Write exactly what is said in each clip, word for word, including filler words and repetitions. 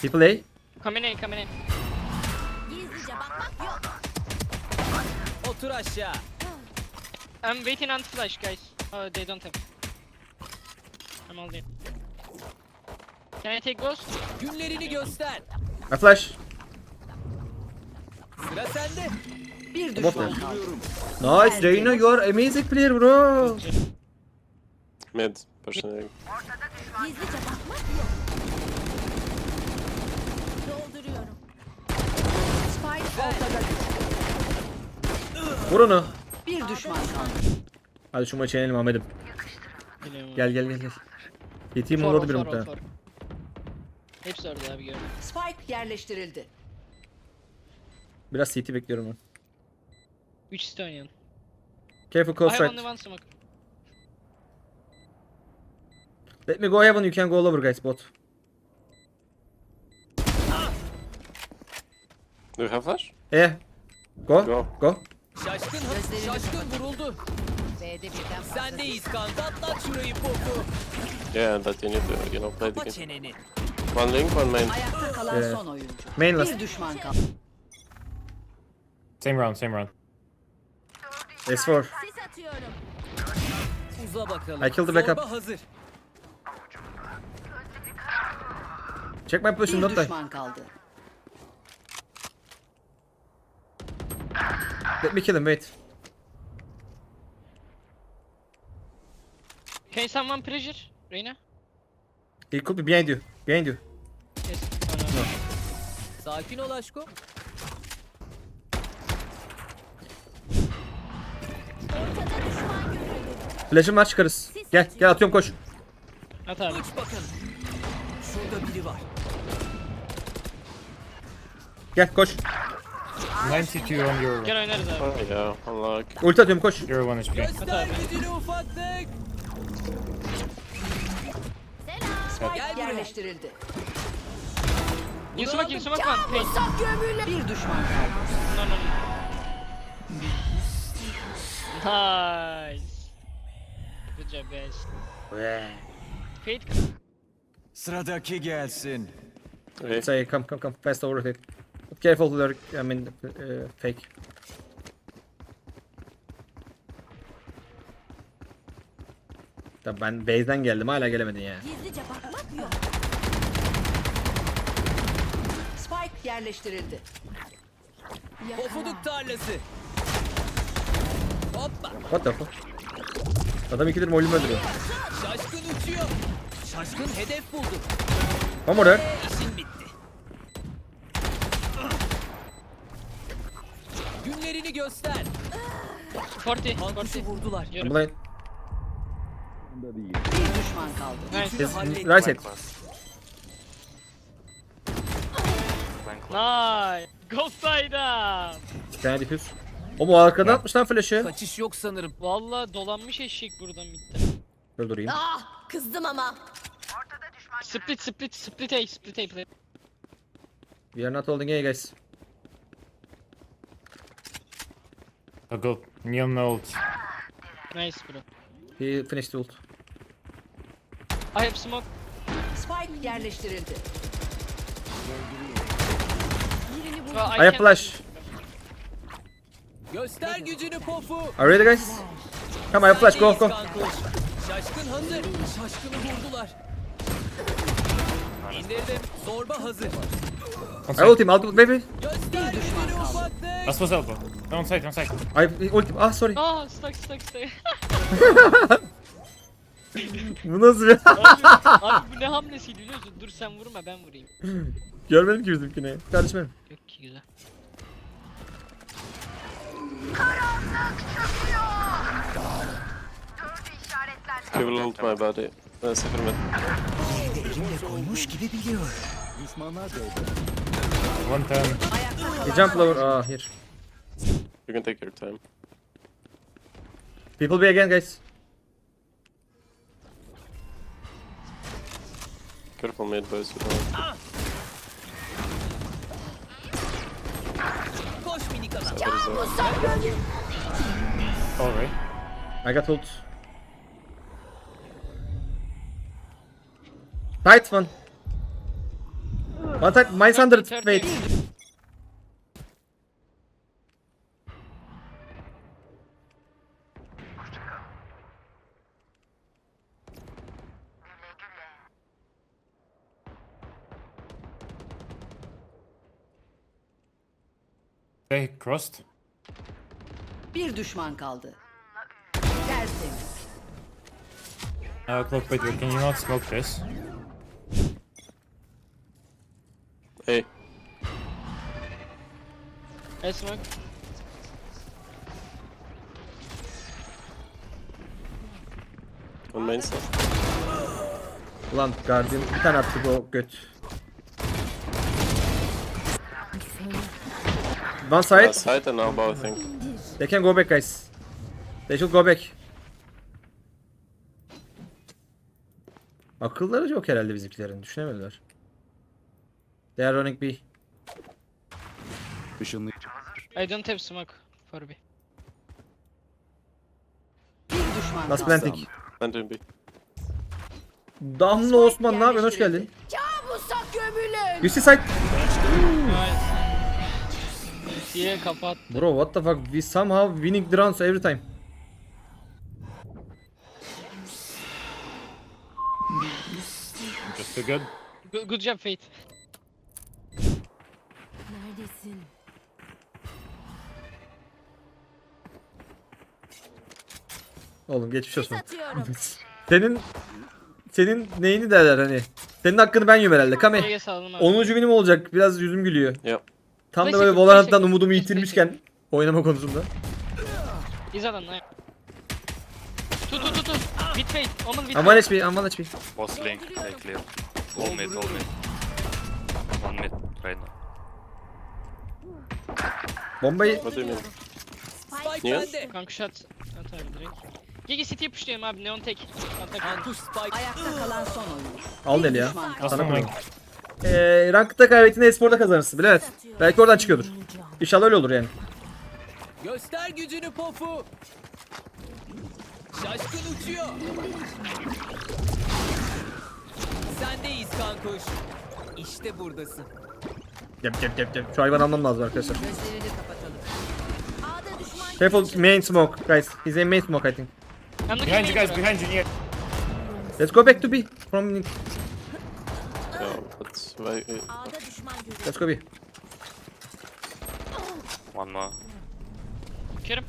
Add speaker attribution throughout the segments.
Speaker 1: People A.
Speaker 2: Come in, come in.
Speaker 3: Gizlice bakmak yok.
Speaker 4: Otur aşağı.
Speaker 2: I'm waiting on flash, guys. Oh, they don't have. I'm all in. Can I take ghost?
Speaker 4: Günlerini göster.
Speaker 1: I flash.
Speaker 4: Sıra sende.
Speaker 5: Bir
Speaker 1: Bot
Speaker 5: düşman
Speaker 1: ver.
Speaker 5: kaldı.
Speaker 1: Nice Reyna, you are amazing player bro.
Speaker 6: Mid, pushing.
Speaker 3: Gizlice bakmak yok. Dolduruyorum.
Speaker 5: Spike ortada.
Speaker 1: Vur onu.
Speaker 5: Bir düşman kaldı.
Speaker 1: Hadi şu maçı yenelim Ahmet'im.
Speaker 2: Biliyorum.
Speaker 1: Gel gel gel gel. Yeteyim
Speaker 2: For,
Speaker 1: oldu bir
Speaker 2: for,
Speaker 1: muhtemelen.
Speaker 2: for. Hepsi orada abi gördüm.
Speaker 5: Spike yerleştirildi.
Speaker 1: Biraz C T bekliyorum ben.
Speaker 2: üç site oynayalım.
Speaker 1: Careful
Speaker 2: I
Speaker 1: close
Speaker 2: have
Speaker 1: right.
Speaker 2: only one smoke.
Speaker 1: Let me go heaven, you can go all over guys bot.
Speaker 6: Do you have flash?
Speaker 1: Eh. Go.
Speaker 6: Go.
Speaker 1: Go.
Speaker 4: Şaşkın, şaşkın vuruldu.
Speaker 5: B'de birden fazla.
Speaker 4: Sendeyiz kanka. Atlat şurayı popu.
Speaker 6: Yeah, that you need to, you know, play the
Speaker 4: Kapa
Speaker 6: game.
Speaker 4: çeneni.
Speaker 6: One link, one main.
Speaker 5: Ayakta kalan
Speaker 1: Ee,
Speaker 5: son oyuncu.
Speaker 1: main last.
Speaker 5: Bir düşman kaldı.
Speaker 7: Same round, same round.
Speaker 1: S four.
Speaker 3: Sis atıyorum.
Speaker 4: Uza bakalım.
Speaker 1: I killed the backup.
Speaker 4: Zorba hazır.
Speaker 1: Check my position,
Speaker 5: Bir
Speaker 1: don't die.
Speaker 5: düşman kaldı.
Speaker 1: Let me kill him, wait.
Speaker 2: Can someone pressure? Reyna?
Speaker 1: He could be behind you. Behind you.
Speaker 2: Yes. Oh, no.
Speaker 4: Sakin ol aşko.
Speaker 3: Ortada düşman görüldü.
Speaker 1: Flash'ım var, çıkarız. Gel gel atıyorum, koş.
Speaker 2: At abi.
Speaker 4: Uç bakalım. Şurada biri var.
Speaker 1: Gel koş.
Speaker 7: ninety-two on your
Speaker 2: Gel oynarız abi.
Speaker 6: Oh yeah, unlock.
Speaker 1: Ulti atıyorum, koş.
Speaker 7: zero one H P.
Speaker 4: Göster gücünü ufaklık.
Speaker 3: Selam.
Speaker 4: Gel buraya.
Speaker 5: Yerleştirildi.
Speaker 2: In smoke, in smoke one. Hey.
Speaker 3: Sak gömüle.
Speaker 5: Bir düşman kaldı.
Speaker 2: No, no, no. Nice. Good job guys. Fate.
Speaker 8: Sıradaki gelsin.
Speaker 6: Okay.
Speaker 1: Say come come come fast over it. Careful lurk, I mean uh, fake. Tabii ben base'den geldim, hala gelemedin ya.
Speaker 3: Gizlice bakmak yok.
Speaker 5: Spike yerleştirildi.
Speaker 4: Pofuduk tarlası. Hoppa.
Speaker 1: What the fuck? Adam ikidir molüm öldürüyor.
Speaker 4: Şaşkın uçuyor. Şaşkın hedef buldu.
Speaker 1: One more there.
Speaker 4: İşin bitti. Günlerini göster.
Speaker 2: forty.
Speaker 4: Kankuşu
Speaker 2: forty.
Speaker 4: vurdular.
Speaker 1: I'm blind.
Speaker 5: Bir düşman kaldı.
Speaker 2: Nice.
Speaker 1: His
Speaker 4: hallettim.
Speaker 1: right side.
Speaker 2: Nice. Go side up.
Speaker 1: Bir tane diffuse. O mu arkadan atmış lan flash'ı?
Speaker 4: Kaçış yok sanırım.
Speaker 2: Valla dolanmış eşek buradan bitti.
Speaker 1: Öldüreyim.
Speaker 3: Ah, kızdım ama.
Speaker 2: Split, split, split A, split A play.
Speaker 1: We are not holding A guys.
Speaker 7: I'll go neon ult.
Speaker 2: Nice bro.
Speaker 1: He finished the ult.
Speaker 2: I have smoke.
Speaker 5: Spike yerleştirildi.
Speaker 3: Birini vur.
Speaker 2: Well,
Speaker 1: I have
Speaker 2: can-
Speaker 1: flash.
Speaker 4: Göster gücünü pofu.
Speaker 1: Are you ready guys? Come I have flash, go go.
Speaker 4: Sendeyiz kankuş. Şaşkın hazır. Şaşkını vurdular. İndirdim. Zorba hazır.
Speaker 7: On
Speaker 1: I
Speaker 7: side.
Speaker 1: ult him, I'll do baby.
Speaker 4: Göster gücünü ufaklık.
Speaker 7: Last was elbow. No, on side, on side.
Speaker 1: I ult him. Ah sorry.
Speaker 2: Ah, stuck, stuck, stuck.
Speaker 1: Bu nasıl bir...
Speaker 2: abi, abi bu ne hamlesiydi biliyor musun? Dur sen vurma ben vurayım.
Speaker 1: Görmedim ki bizimkini. Kardeşim benim.
Speaker 2: Yok ki güzel.
Speaker 6: He will ult my body. Uh, Cypher mid.
Speaker 7: One ten.
Speaker 1: He jump lower. Ah here.
Speaker 6: You can take your time.
Speaker 1: People be again guys.
Speaker 6: Careful mid, boys. You know.
Speaker 4: Koş minik adam.
Speaker 6: Cypher is there.
Speaker 7: Alright.
Speaker 1: I got ult. Tight one. One side, minus one hundred.
Speaker 2: thirty.
Speaker 1: Wait.
Speaker 7: They crossed.
Speaker 5: Bir düşman kaldı. Tertemiz.
Speaker 7: Uh, cloak, wait, wait, can you not smoke this?
Speaker 6: Hey.
Speaker 2: I smoke.
Speaker 6: On main side.
Speaker 1: Ulan Guardian bir tane attı bu göt. One side.
Speaker 6: Uh, side and elbow, I think.
Speaker 1: They can go back guys. They should go back. Akılları yok herhalde bizimkilerin. Düşünemediler. They are running B.
Speaker 8: Işınlayıcı.
Speaker 2: I don't have smoke for B.
Speaker 5: Bir düşman
Speaker 1: Last
Speaker 5: kaldı.
Speaker 1: planting.
Speaker 6: Planting B.
Speaker 1: Damla Osman ne yapıyorsun? Hoş geldin.
Speaker 3: Kabusa gömülün.
Speaker 1: You see side.
Speaker 2: Diye kapat.
Speaker 1: Bro what the fuck? We somehow winning the rounds every time.
Speaker 7: Just too good.
Speaker 2: Good, good job Fate.
Speaker 3: Neredesin?
Speaker 1: Oğlum geçmiş olsun.
Speaker 3: Satıyorum.
Speaker 1: Senin senin neyini derler hani? Senin hakkını ben yiyorum herhalde. Kame.
Speaker 2: G'ye saldım abi.
Speaker 1: onuncu binim olacak. Biraz yüzüm gülüyor.
Speaker 6: Yep.
Speaker 1: Tam da
Speaker 2: Neyse,
Speaker 1: böyle
Speaker 2: neyse,
Speaker 1: Valorant'tan
Speaker 2: neyse.
Speaker 1: umudumu
Speaker 2: Neyse,
Speaker 1: yitirmişken oynama konusunda.
Speaker 2: He's on nine. Two, two, two, two. With Fate. Omen with
Speaker 1: Aman
Speaker 2: Fate.
Speaker 1: H P, aman H P.
Speaker 9: Was link, they clear. All mid, all mid. One mid right now.
Speaker 1: Bombayı
Speaker 6: What do you mean?
Speaker 5: Spike
Speaker 6: Niye?
Speaker 5: bende.
Speaker 2: Kanka shot. At abi direkt. Gigi City'ye pushlayalım abi. Neon tek. Atak.
Speaker 4: Kankuş Spike.
Speaker 5: Ayakta kalan son oyun.
Speaker 1: al
Speaker 5: Bir
Speaker 1: deli ya.
Speaker 5: düşman kaldı.
Speaker 7: Last
Speaker 1: Sana
Speaker 7: one
Speaker 1: koyayım.
Speaker 7: link.
Speaker 1: Eee rankta kaybettiğinde esporda kazanırsın bile evet. Belki oradan çıkıyordur. İnşallah öyle olur yani.
Speaker 4: Göster gücünü Pofu. Şaşkın uçuyor. Sendeyiz kankuş. İşte buradasın.
Speaker 1: Yap yap yap yap. Şu hayvanı almam lazım arkadaşlar.
Speaker 5: Gözlerini kapatalım.
Speaker 3: A'da düşman.
Speaker 1: Careful main smoke guys. He's in main smoke I think.
Speaker 2: I'm looking
Speaker 7: Behind you
Speaker 2: main,
Speaker 7: guys,
Speaker 2: bro.
Speaker 7: behind you, near.
Speaker 1: Let's go back to B. From
Speaker 6: Yeah, that's why. uh,
Speaker 3: A'da düşman görüyorum.
Speaker 1: let's go B.
Speaker 9: One more.
Speaker 2: Kerim.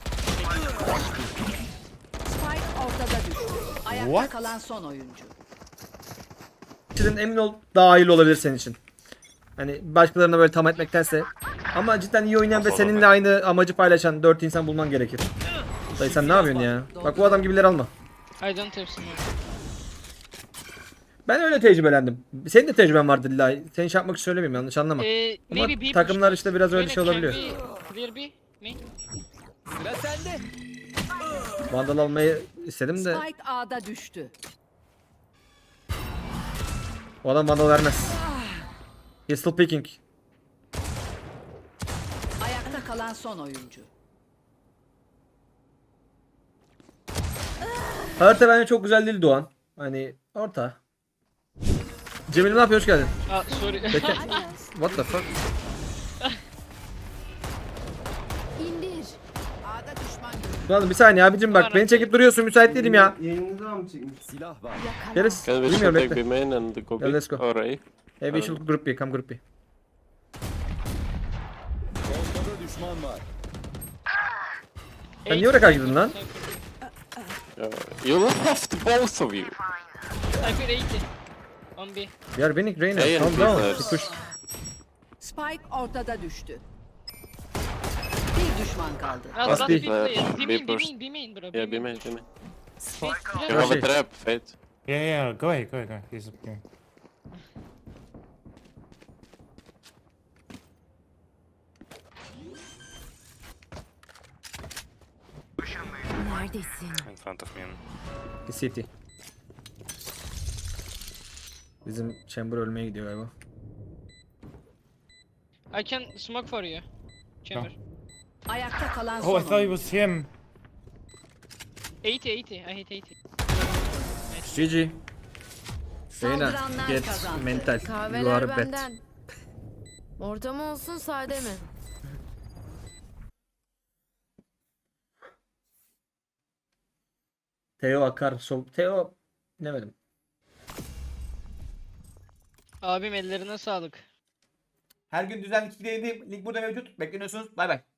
Speaker 5: Spike ortada düştü. Ayakta
Speaker 7: What?
Speaker 5: kalan son oyuncu.
Speaker 1: Cidden emin ol daha hayırlı olabilir senin için. Hani başkalarına böyle tam etmektense. Ama cidden iyi oynayan ve seninle aynı amacı paylaşan dört insan bulman gerekir. Dayı sen ne yapıyorsun ya? Bak bu adam gibileri alma.
Speaker 2: I don't have smoke.
Speaker 1: Ben öyle tecrübelendim. Senin de tecrüben vardı illa. Senin şey yapmak için söylemiyorum yanlış anlama.
Speaker 2: Ee,
Speaker 1: Ama
Speaker 2: maybe B
Speaker 1: takımlar
Speaker 2: push.
Speaker 1: işte biraz öyle
Speaker 2: Reyna,
Speaker 1: şey
Speaker 2: can
Speaker 1: olabiliyor.
Speaker 2: we Clear B. Me.
Speaker 4: Sıra sende.
Speaker 1: Vandal almayı istedim de
Speaker 5: Spike A'da düştü.
Speaker 1: o adam vandal vermez. He's still picking.
Speaker 5: Ayakta kalan son oyuncu.
Speaker 1: Harita bence çok güzel değil Doğan. Hani orta. Cemil ne yapıyor? Hoş geldin.
Speaker 2: Ah, sorry.
Speaker 1: Peki. What the fuck?
Speaker 3: İndir.
Speaker 5: A'da düşman görüldü.
Speaker 1: Doğan bir saniye abicim bak beni çekip duruyorsun müsait değilim ya.
Speaker 8: Silah var.
Speaker 1: Geriz.
Speaker 6: Can we
Speaker 1: Bilmiyorum
Speaker 6: should take
Speaker 1: bekle.
Speaker 6: B main and go B?
Speaker 1: Yeah, let's go.
Speaker 6: Or A?
Speaker 1: Hey we should group B, come group B.
Speaker 8: Ortada düşman var.
Speaker 1: Sen niye oraya kaydın lan?
Speaker 6: Uh, you left both of you.
Speaker 2: Cypher eighty. On B.
Speaker 1: We are winning Reyna.
Speaker 6: Hey,
Speaker 1: Calm
Speaker 6: and
Speaker 1: down.
Speaker 6: Peters.
Speaker 1: Bir push.
Speaker 5: Spike ortada düştü. Bir düşman kaldı.
Speaker 2: Ah,
Speaker 1: Must
Speaker 2: last
Speaker 1: be.
Speaker 2: B player.
Speaker 6: Uh,
Speaker 2: B
Speaker 6: B
Speaker 2: main, B
Speaker 6: push.
Speaker 2: main, B main bro.
Speaker 6: Yeah, B main, B main.
Speaker 2: Fate,
Speaker 6: You have a
Speaker 1: Rush
Speaker 6: trap, Fate.
Speaker 7: Yeah, yeah, go ahead, go ahead, go ahead. He's up here.
Speaker 3: Neredesin?
Speaker 9: In front of me.
Speaker 1: Bir City. Bizim Chamber ölmeye gidiyor galiba.
Speaker 2: I can smoke for you. Chamber.
Speaker 5: Ayakta kalan son
Speaker 7: Oh, I thought it
Speaker 5: oyuncu.
Speaker 7: was him.
Speaker 2: eighty, eighty. I hit eighty.
Speaker 1: G G. Reyna
Speaker 5: Saldıranlar
Speaker 1: get
Speaker 5: kazandı.
Speaker 1: mental. You
Speaker 3: Kahveler
Speaker 1: are bad.
Speaker 3: benden. Orta mı olsun sade mi?
Speaker 1: Teo akar. So Teo ne dedim?
Speaker 2: Abim ellerine sağlık.
Speaker 1: Her gün düzenli iki link burada mevcut. Bekleniyorsunuz. Bay bay.